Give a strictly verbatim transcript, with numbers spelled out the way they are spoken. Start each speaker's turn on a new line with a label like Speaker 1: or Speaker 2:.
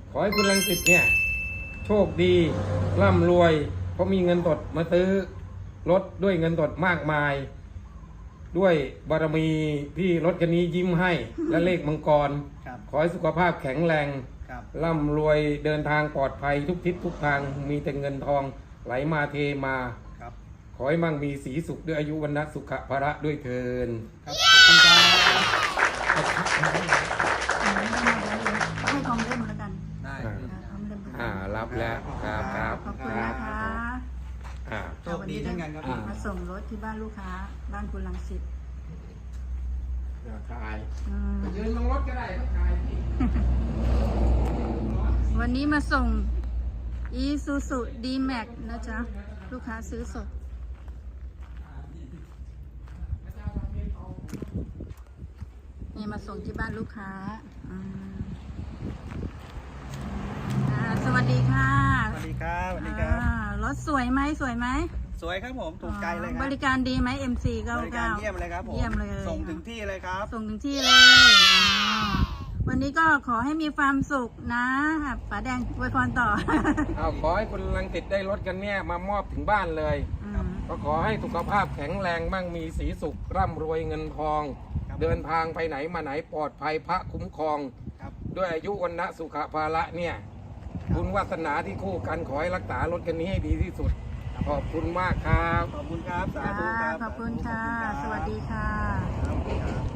Speaker 1: ขอให้คุณรังสิตเนี่ยโชคดีร่ำรวยเพราะมีเงินสดมาซื้อรถด้วยเงินสดมากมาย ด้วยบารมีที่รถคันนี้ยิ้มให้ และเลขมังกร
Speaker 2: ครับ
Speaker 1: ขอให้สุขภาพแข็งแรง
Speaker 2: ครับ
Speaker 1: ร่ำรวยเดินทางปลอดภัยทุกทิศทุกทางมีแต่เงินทองไหลมาเทมา
Speaker 2: ครับ
Speaker 1: ขอให้มั่งมีสีสุขด้วยอายุวันนะสุขภาระด้วยเทิน
Speaker 2: ครับขอบคุณครับ
Speaker 3: ให้กองเล่นแล้วกัน
Speaker 2: ได้
Speaker 1: อ่า
Speaker 3: กองเล่น
Speaker 1: อ่ารับแล้วครับครับ
Speaker 3: ขอบคุณนะคะ
Speaker 1: อ่า
Speaker 2: โชคดีเช่นกันครับ
Speaker 1: อ่า
Speaker 3: มาส่งรถที่บ้านลูกค้า บ้านคุณรังสิต
Speaker 1: เดี๋ยวถ่าย
Speaker 3: อืม
Speaker 1: ยืนลงรถก็ได้ก็ถ่ายพี่
Speaker 3: วันนี้มาส่ง Isuzu D-Max นะจ๊ะ ลูกค้าซื้อสด นี่มาส่งที่บ้านลูกค้าอืมอ่าสวัสดีค่ะ
Speaker 2: สวัสดีครับสวัสดีครับ
Speaker 3: อ่ารถสวยไหมสวยไหม
Speaker 2: สวยครับผมถูกใจเลยครับ
Speaker 3: บริการดีไหม เอ็ม ซี เก้า
Speaker 2: บริ
Speaker 3: เก้า
Speaker 2: การเยี่ยมเลยครับผม
Speaker 3: เยี่ยมเลย
Speaker 2: ส่งถึงที่เลยครับ
Speaker 3: ส่งถึงที่เลยอ่าวันนี้ก็ขอให้มีความสุขนะป๋าแดงอวยพรต่อ
Speaker 1: เอาขอให้คุณรังสิตได้รถกันเนี่ยมามอบถึงบ้านเลย
Speaker 3: อืม
Speaker 1: ก็ขอให้สุขภาพแข็งแรงมั่งมีสีสุขร่ำรวยเงินทอง
Speaker 2: ครับ
Speaker 1: เดินทางไปไหนมาไหนปลอดภัยพระคุ้มครอง
Speaker 2: ครับ
Speaker 1: ด้วยอายุวันนะสุขภาระเนี่ยบุญวาสนาที่คู่กันขอให้รักษารถกันนี้ให้ดีที่สุด ขอบคุณมากครับ
Speaker 2: ขอบคุณครับ สาธุครับ
Speaker 3: ขอบคุณค่ะ
Speaker 2: ขอบณรับ
Speaker 3: สวัสดีค่ะ
Speaker 2: ครับ